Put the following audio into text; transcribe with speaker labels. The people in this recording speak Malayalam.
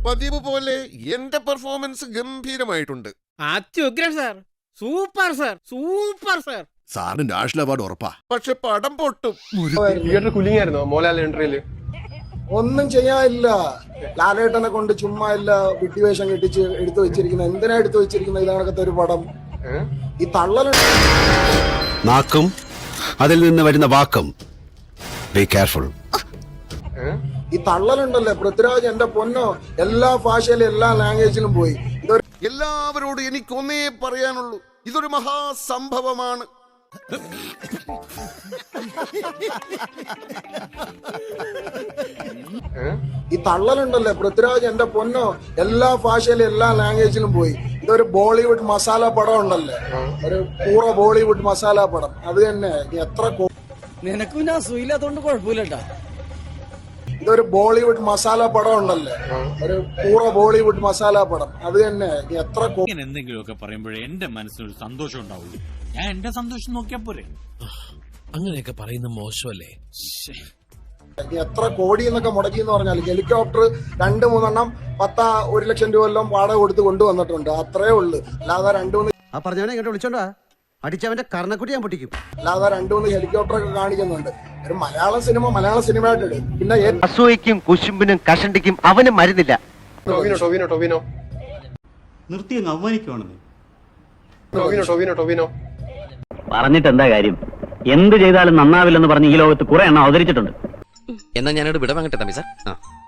Speaker 1: പതിവ് പോലെ എന്റെ പെർഫോമൻസ് ഗംഭീരമായിട്ടുണ്ട്.
Speaker 2: അത്യുഗ്രൻ sir, super sir, super sir.
Speaker 3: സാറിന് നാഷണൽ അവാർഡ് ഉറപ്പാ.
Speaker 1: പക്ഷെ പടം പൊട്ടും.
Speaker 4: കുലിങ്ങായിരുന്നോ മോഹൻലാൽ എൻട്രിയില്?
Speaker 5: ഒന്നും ചെയ്യാനില്ല. ലാലേട്ടനെ കൊണ്ട് ചുമ്മാ ഇല്ല വിട്ടിവേഷം കെട്ടിച്ച് എടുത്തു വെച്ചിരിക്കുന്ന. എന്തിനാ എടുത്തു വെച്ചിരിക്കുന്ന ഇതണക്കത്തെ ഒരു പടം? ഈ തള്ളലുണ്ട്.
Speaker 3: നാക്കും അതിൽ നിന്ന് വരുന്ന വാക്കും. Be careful.
Speaker 5: ഈ തള്ളലുണ്ടല്ലേ പൃഥ്വിരാജ്, എന്റെ പൊന്നോ, എല്ലാ ഭാഷയിലും എല്ലാ ലാംഗ്വേജിലും പോയി.
Speaker 1: എല്ലാവരോടും എനിക്കൊന്നേ പറയാനുള്ളൂ, ഇതൊരു മഹാസംഭവമാണ്.
Speaker 5: ഈ തള്ളലുണ്ടല്ലേ പൃഥ്വിരാജ്, എന്റെ പൊന്നോ, എല്ലാ ഭാഷയിലും എല്ലാ ലാംഗ്വേജിലും പോയി. ഇതൊരു ബോളിവുഡ് മസാല പടം ഉണ്ടല്ലേ, ഒരു പൂറ ബോളിവുഡ് മസാല പടം. അത് തന്നെ. എത്ര
Speaker 2: നിനക്കും ഞാൻ സുഖമില്ലാത്തോണ്ട് കുഴപ്പമില്ലട്ടാ.
Speaker 5: ഇതൊരു ബോളിവുഡ് മസാല പടം ഉണ്ടല്ലേ, ഒരു പൂറ ബോളിവുഡ് മസാല പടം. അത് തന്നെ. എത്ര
Speaker 6: എന്തെങ്കിലുമൊക്കെ പറയുമ്പോഴേ എന്റെ മനസ്സിനൊരു സന്തോഷം ഉണ്ടാവുള്ളൂ. ഞാൻ എന്റെ സന്തോഷം നോക്കിയാ പോരെ.
Speaker 7: അങ്ങനെയൊക്കെ പറയുന്ന മോശമല്ലേ?
Speaker 5: എത്ര കോടി എന്നൊക്കെ മുടക്കി എന്ന് പറഞ്ഞാൽ ഹെലികോപ്റ്റർ 2-3 1 ലക്ഷം രൂപ എല്ലാം വാടക കൊടുത്ത് കൊണ്ടുവന്നിട്ടുണ്ട്. അത്രേ ഉള്ളു. അല്ലാതെ 2-3
Speaker 8: ആ പറഞ്ഞവനെ ഇങ്ങോട്ട് വിളിച്ചോണ്ടാ അടിച്ചവന്റെ കർണക്കുട്ടി ഞാൻ പൊട്ടിക്കും.
Speaker 5: അല്ലാതെ 2-3 ഹെലികോപ്റ്റർ ഒക്കെ കാണിക്കുന്നുണ്ട്. ഒരു മലയാള സിനിമയായിട്ട് ഇടും. പിന്നെ
Speaker 8: അസൂയക്കും കുശുമ്പിനും കഷണ്ടിക്കും അവനും മരുന്നില്ല.
Speaker 4: ടൊവിനോ
Speaker 6: നിർത്തി അങ്ങ് അവമാനിക്കുവാണെന്ന്.
Speaker 4: ടൊവിനോ
Speaker 9: പറഞ്ഞിട്ട് എന്താ കാര്യം? എന്ത് ചെയ്താലും നന്നാവില്ലെന്ന് പറഞ്ഞ് ഈ ലോകത്ത് കുറെ എണ്ണം അവതരിച്ചിട്ടുണ്ട്.
Speaker 7: എന്നാ ഞാനോട് വിട വാങ്ങട്ടെ തമ്പി സാർ.